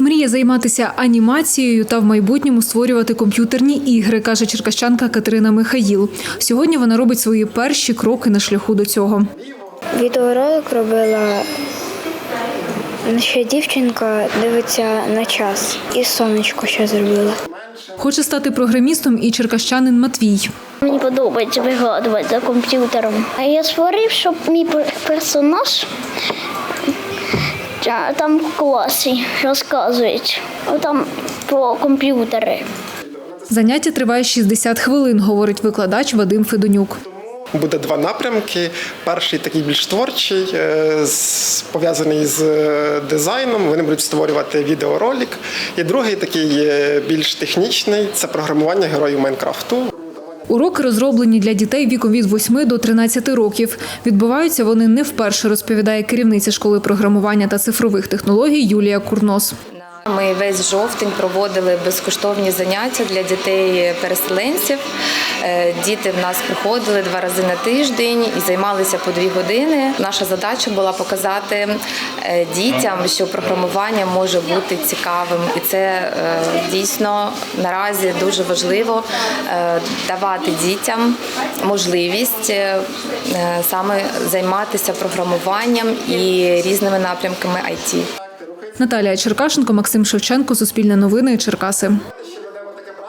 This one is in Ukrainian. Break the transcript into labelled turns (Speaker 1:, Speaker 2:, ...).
Speaker 1: Мріє займатися анімацією та в майбутньому створювати комп'ютерні ігри, каже черкащанка Катерина Михаїл. Сьогодні вона робить свої перші кроки на шляху до цього.
Speaker 2: Відеоролик робила, ще дівчинка дивиться на час. І сонечко ще зробила.
Speaker 1: Хоче стати програмістом і черкащанин Матвій.
Speaker 3: Мені подобається вигадувати за комп'ютером. А я створив, щоб мій персонаж там в класі розказують, там про комп'ютери.
Speaker 1: Заняття триває 60 хвилин, говорить викладач Вадим Федонюк.
Speaker 4: Буде два напрямки. Перший такий більш творчий, пов'язаний з дизайном. Вони будуть створювати відеоролик. І другий такий більш технічний – це програмування героїв Майнкрафту.
Speaker 1: Уроки розроблені для дітей віком від 8 до 13 років. Відбуваються вони не вперше, розповідає керівниця школи програмування та цифрових технологій Юлія Курнос.
Speaker 5: Ми весь жовтень проводили безкоштовні заняття для дітей-переселенців. Діти в нас приходили 2 рази на тиждень і займалися по 2 години. Наша задача була показати дітям, що програмування може бути цікавим. І це дійсно наразі дуже важливо давати дітям можливість саме займатися програмуванням і різними напрямками IT.
Speaker 1: Наталія Черкашенко, Максим Шевченко, Суспільне новини, Черкаси.